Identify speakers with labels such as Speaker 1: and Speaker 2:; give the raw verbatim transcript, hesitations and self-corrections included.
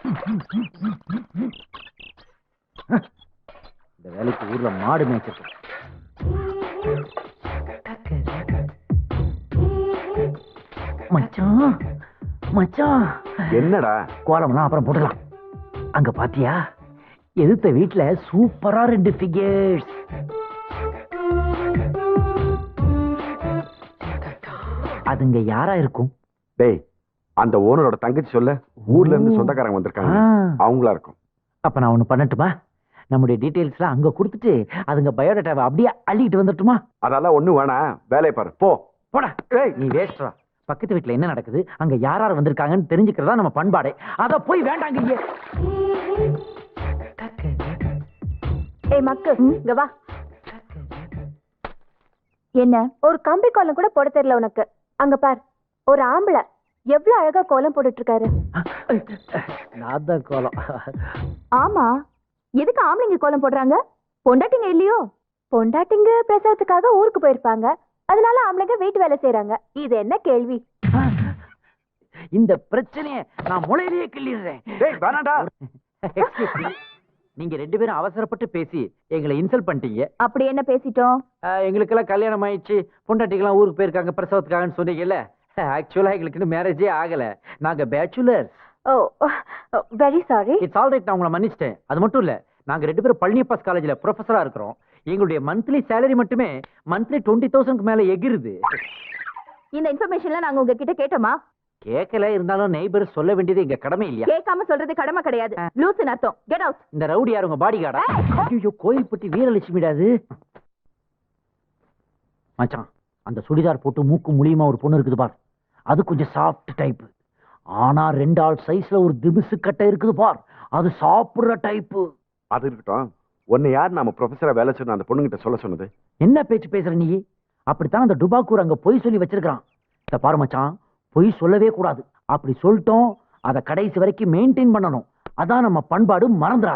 Speaker 1: இந்த வேலைக்கு ஊர்ல மாடு மேய்ச்சிருக்கோம். மச்சான் மச்சான்,
Speaker 2: என்னடா
Speaker 1: கோலம்லாம் அப்புறம் போட்டுக்கலாம். அங்க பாத்தியா, எதிர்த்த வீட்டுல சூப்பரா ரெண்டு ஃபிகர்ஸ். அதுங்க யாரா இருக்கும்?
Speaker 2: டேய், அந்த ஓனரோட தங்கச்சி சொல்ல, ஊர்ல இருந்து சொந்தக்காரங்க வந்திருக்காங்க, அவங்களா இருக்கும்.
Speaker 1: அப்ப நான் ஒண்ணு பண்ணட்டுமா? நம்முடைய டீடைல்ஸ்லாம் அங்க கொடுத்துட்டு அதுங்க பயோடேட்டாவை அப்படியே அள்ளிட்டு வந்துட்டுமா?
Speaker 2: அதெல்லாம் ஒண்ணு வேணாம், வேலையை பாரு போ.
Speaker 1: போடா, நீ வேஸ்ட்ரா. பக்கத்து வீட்டுல என்ன நடக்குது, அங்க யார் யார் வந்திருக்காங்கன்னு தெரிஞ்சுக்கிறதா நம்ம பண்பாடே. அத போய் வேண்டாங்க.
Speaker 3: ஏய் மக்கு, இங்க வா. என்ன ஒரு கம்பி கோலம் கூட போட தெரியல உனக்கு? அங்க பார், ஒரு ஆம்பளை எவ்வளவு அழகா கோலம் போட்டுட்டு இருக்காரு.
Speaker 1: நான் தான் கோலம்.
Speaker 3: ஆமா, எதுக்கு ஆம்பளைங்க கோலம் போடுறாங்க? பொண்டாட்டிங்க இல்லையோ? பொண்டாட்டிங்க பிரசவத்துக்காக ஊருக்கு போயிருப்பாங்க, அதனால ஆம்பளைங்க வீட்டு வேலை செய்யறாங்க. இது என்ன கேள்வி?
Speaker 1: இந்த பிரச்சனையை நான் முளையிலேயே கிள்ளிடுறேன்.
Speaker 2: டேய் வேணாடா.
Speaker 1: நீங்க ரெண்டு பேரும் அவசரப்பட்டு பேசி எங்களை இன்சல்ட் பண்ணிட்டீங்க.
Speaker 3: அப்படி என்ன பேசிட்டோம்?
Speaker 1: எங்களுக்கெல்லாம் கல்யாணம் ஆயிடுச்சு, பொண்டாட்டிக்கெல்லாம் ஊருக்கு போயிருக்காங்க பிரசவத்துக்காகன்னு சொன்னீங்கல்ல. ஆக்சுவலா எங்களுக்கு இன்னும் மேரேஜே ஆகல, நாங்க bachelor.
Speaker 3: Oh, very sorry.
Speaker 1: It's all right, நான் உங்களை மன்னிச்சிட்டேன். அது மட்டும் இல்ல, நாங்க ரெண்டு பேரும் பழனியப்பாஸ் காலேஜ்ல ப்ரொஃபஸரா இருக்கிறோம். எங்களுடைய மந்த்லி சேலரி மட்டுமே மந்த்லி டுவெண்ட்டி தௌசண்ட்க்கு மேல எகிருது.
Speaker 3: இந்த இன்ஃபர்மேஷன்ல நாங்க உங்ககிட்ட கேட்டோமா?
Speaker 1: கேட்கல, இருந்தாலும் நெய்பர் சொல்ல வேண்டியது எங்க கடமை இல்லையா?
Speaker 3: கேட்காம சொல்றது கடமை கிடையாது, லூசுன்னு அர்த்தம். Get out.
Speaker 1: இந்த ரவுடி யார், உங்க பாடி கார்டா? ஐயோ, கோயில்பட்டி வீரலட்சுமிடாது. மச்சான், அந்த சுடிதார் போட்டு மூக்கு முழியுமா ஒரு பொண்ணு இருக்குது பார், அது கொஞ்சம் சாஃப்ட் டைப். ஆனா ரெண்டு ஆள் சைஸ்ல ஒரு திமிசு கட்டை இருக்குது பார், அது சாப்பிடுற டைப்.
Speaker 2: அது இருக்கட்டும், உன்னை யார் நாம ப்ரொஃபஸரா வேலை சொன்ன அந்த பொண்ணுகிட்ட சொல்ல சொன்னது?
Speaker 1: என்ன பேச்சு பேசுற நீ? அப்படித்தான் அந்த டுபாக்கூர் அங்க பொய் சொல்லி வச்சிருக்கான். இத பாரு மச்சான், பொய் சொல்லவே கூடாது. அப்படி சொல்லிட்டோம், அதை கடைசி வரைக்கும் மெயின்டைன் பண்ணணும். அதான் நம்ம பண்பாடு, மறந்துடாது.